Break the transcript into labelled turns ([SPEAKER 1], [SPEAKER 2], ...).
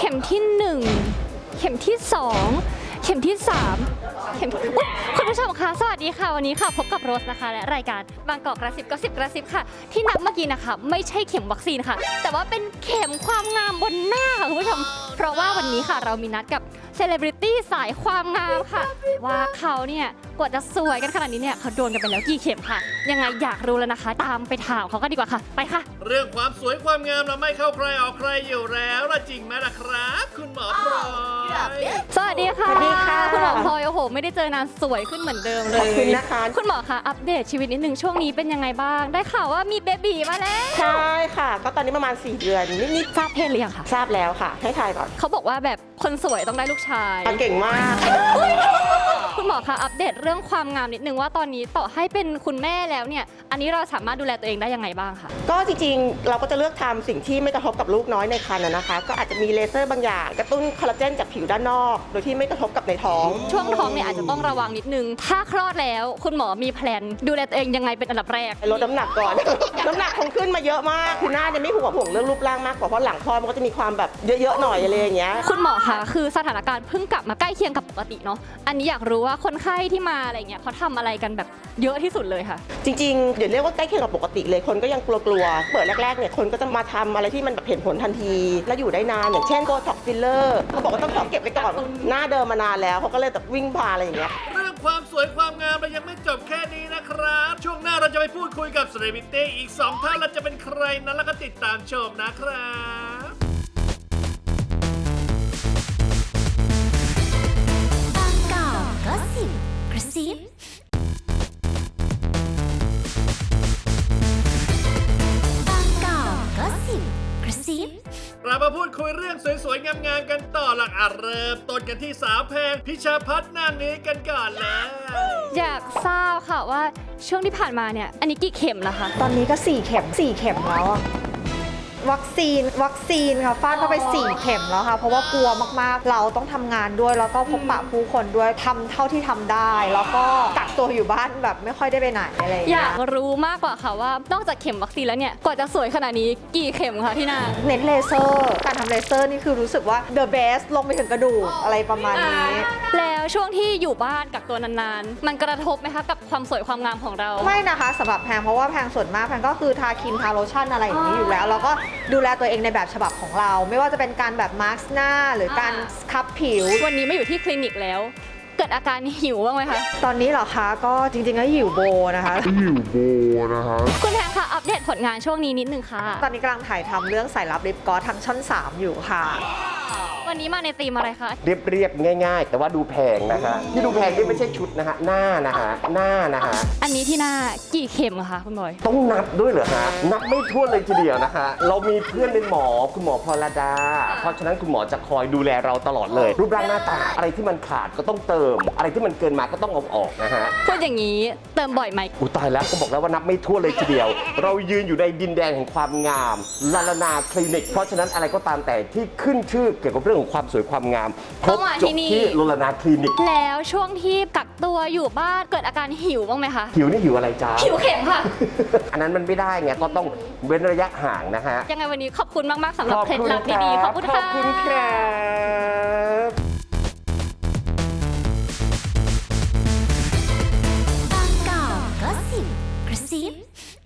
[SPEAKER 1] เข็มที่1เข็มที่2เข็มที่3เข็มที่คุณผู้ชมคะสวัสดีค่ะวันนี้ค่ะพบกับโรสนะคะและรายการบางกอกกระซิบก็10กระซิบค่ะที่นับเมื่อกี้นะคะไม่ใช่เข็มวัคซีนค่ะแต่ว่าเป็นเข็มความงามบนหน้าค่ะคุณผู้ชมเพราะว่าวันนี้ค่ะเรามีนัดกับเซเลบริตี้สายความงามค่ะว่าเขาเนี่ยกว่าจะสวยกันขนาดนี้เนี่ยเขาโดนกันไปแล้วกี่เข็มค่ะยังไงอยากรู้แล้วนะคะตามไปถามเขากันดีกว่าค่ะไปค่ะ
[SPEAKER 2] เรื่องความสวยความงามเราไม่เข้าใครออกใครอยู่แล้วล่ะจริงไหมล่ะครับคุณหมอพลอย
[SPEAKER 1] สวัสดีค่ะ
[SPEAKER 3] สวัสดีค่ะ
[SPEAKER 1] คุณหมอพลอยโอ้โหไม่ได้เจอนานสวยขึ้นเหมือนเดิมเลย
[SPEAKER 3] ขอบคุณนะคะ
[SPEAKER 1] คุณหมอคะอัปเดตชีวิตนิดนึงช่วงนี้เป็นยังไงบ้างได้ข่าวว่ามีเบบีมาแล้ว
[SPEAKER 3] ใช่ค่ะ ก็ตอนนี้ประมาณ4 เดือนนิด
[SPEAKER 1] ทราบเพศหรือยังคะ
[SPEAKER 3] ๆทราบแล้วค่ะ ให้ทายก่อน
[SPEAKER 1] เขาบอกว่าแบบคนสวยต้องได้ลูกชาย
[SPEAKER 3] เก่งมาก
[SPEAKER 1] คุณหมอคะอัปเดตเรื่องความงามนิดนึงว่าตอนนี้ต่อให้เป็นคุณแม่แล้วเนี่ยอันนี้เราสามารถดูแลตัวเองได้ยังไงบ้างคะ
[SPEAKER 3] ก็จริงๆ เราก็จะเลือกทำสิ่งที่ไม่กระทบกับลูกน้อยในครรภ์นะคะ ก็อาจจะมีเลเซอร์บางอย่างกระตุ้นคอลลาเจนจากผิวด้านนอก โดยที่ไม่กระทบกับในท้อง
[SPEAKER 1] ช่วงท้องเนี่ยอาจจะต้องระวังนิดนึงถ้าคลอดแล้วคุณหมอมีแพลนดูแลตัวเองยังไงเป็นอันดับแรก
[SPEAKER 3] ลดน้ำหนักก่อน น้ำหนักคงขึ้นมาเยอะมาก คือหน้าเนี่ยไม่ห่วงเรื่องรูปร่างมากกว่าเพราะหลังคลอดมันก็จะมีความแบบเยอะๆหน่อยอะไรอย่างเงี้ย
[SPEAKER 1] คุณหมอคะคือสถานการณ์เพิ่งกลับมาใกล้เคียงกับปกติเนาะอันนี้อยากรู้ว่าคนไข้ที่มาอะไรเงี้ยเขาทำอะไรกันแบบเยอะที่สุดเลยค่ะ
[SPEAKER 3] จริงๆ เดี๋ยวเรียกว่าใกล้เคียงกับปกติเลย คนก็ยังกลัวๆ เปิดแรกๆ เนี่ย คนก็จะมาทำอะไรที่มันแบบเห็นผลทันที และอยู่ได้นาน อย่างเช่นโบท็อกฟิลเลอร์เขาบอกว่าต้องขอเก็บไว้ก่อน หน้าเดิมมานานแล้วเขาก็เลยแบบวิ่งพาอะไรอย่างเงี้ย
[SPEAKER 2] เรื่องความสวยความงามเรายังไม่จบแค่นี้นะครับ ช่วงหน้าเราจะไปพูดคุยกับเซเลบริตี้อีก2ท่านและจะเป็นใครนั้นแล้วก็ติดตามชมนะครับ
[SPEAKER 4] บางกอกก็สิบกระซิบางกอกก็สิบกระซิบ
[SPEAKER 2] เรามาพูดคุยเรื่องสวยๆ งามๆ กันต่อหลักเริ่มต้นกันที่สาวแพงพิชาพัฒน์นางนี้กันก่อนเลย
[SPEAKER 1] อยากทราบค่ะว่าช่วงที่ผ่านมาเนี่ยอันนี้กี่เข็มแล้วคะ
[SPEAKER 5] ตอนนี้ก็4 เข็มแล้วอะวัคซีนค่ะฟาดเข้าไป4 เข็มแล้วค่ะเพราะว่ากลัวมากๆเราต้องทำงานด้วยแล้วก็พบปะผู้คนด้วยทำเท่าที่ทำได้ แล้วก็กักตัวอยู่บ้านแบบไม่ค่อยได้ไปไหนอะไรอย่าง
[SPEAKER 1] อ
[SPEAKER 5] เงี้
[SPEAKER 1] ยาย กรู้มากกว่าค่ะว่านอกจากเข็มวัคซีนแล้วเนี่ยกว่าจะสวยขนาดนี้กี่เข็มคะพี่นา
[SPEAKER 5] เน้นเลเซอร์การทำเลเซอร์นี่คือรู้สึกว่า the best ลงไปถึงกระดูกอะไรประมาณนี้
[SPEAKER 1] แล้วช่วงที่อยู่บ้านกักตัวนานๆมันกระทบไหมคะกับความสวยความงามของเรา
[SPEAKER 5] ไม่นะคะสำหรับแพงเพราะว่าแพงส่วนมากแพงก็คือทาครีมทาโลชั่นอะไรอย่างนี้อยู่แล้วแล้วก็ดูแลตัวเองในแบบฉบับของเรา ไม่ว่าจะเป็นการแบบมาร์คหน้าหรือการสครับผิว
[SPEAKER 1] วันนี้ไม่อยู่ที่คลินิกแล้ว เกิดอาการหิวบ้างไหมคะ
[SPEAKER 5] ตอนนี้เหรอคะก็จริงๆก็หิวโบนะคะ
[SPEAKER 1] คุณแพงค่ะอัปเดตผลงานช่วงนี้นิดนึงค่ะ
[SPEAKER 5] ตอนนี้กำลังถ่ายทำเรื่องสายลับลิปกลอสทางช่อง 3 อยู่ค่ะ
[SPEAKER 1] วันนี้มาในธีมอะไรคะ
[SPEAKER 6] เรียบๆง่ายๆ แต่ว่าดูแพงนะฮะที่ดูแพงนี่ไม่ใช่ชุดนะฮะหน้านะฮะ
[SPEAKER 1] อันนี้ที่หน้ากี่เข็มคะคุณบอย
[SPEAKER 6] ต้องนับด้วยเหรอฮะนับไม่ถ้วนเลยทีเดียวนะคะเรามีเพื่อนเป็นหมอคุณหมอพรดา เพราะฉะนั้นคุณหมอจะคอยดูแลเราตลอดเลย รูปร่างหน้าตาอะไรที่มันขาดก็ต้องเติม อะไรที่มันเกินมาก็ต้องเอาออกนะฮะ
[SPEAKER 1] พูดอย่างนี้เติมบ่อยไหม
[SPEAKER 6] อุยตายแล้วก็บอกแล้วว่านับไม่ถ้วนเลยทีเดียว เรายืนอยู่ในดินแดนแห่งความงามลาลานาคลินิก เพราะฉะนั้นอะไรก็ตามแต่ที่ขึ้นชื่อเกี่ยวกับเรื่องของความสวยความงามคร
[SPEAKER 1] ต้
[SPEAKER 6] บ
[SPEAKER 1] องมา
[SPEAKER 6] จ
[SPEAKER 1] ที่
[SPEAKER 6] บ
[SPEAKER 1] นี่
[SPEAKER 6] ที่ลาลานาคลินิก
[SPEAKER 1] แล้วช่วงที่กักตัวอยู่บ้านเกิดอาการหิวบ้างไหมคะ
[SPEAKER 6] หิวนี่หิวอะไรจ้า
[SPEAKER 1] หิวเข็มค่ะ
[SPEAKER 6] อันนั้นมันไม่ได้ไงก็ต้องเว้นระยะห่างนะฮะ
[SPEAKER 1] ยังไงวันนี้ขอบคุณมาก ๆสำหรับเคล็ดลับดีๆขอบคุณ
[SPEAKER 6] ข
[SPEAKER 1] ค่ะ
[SPEAKER 6] อบคุณครับ
[SPEAKER 4] บางกอกก็สิบกระซิบ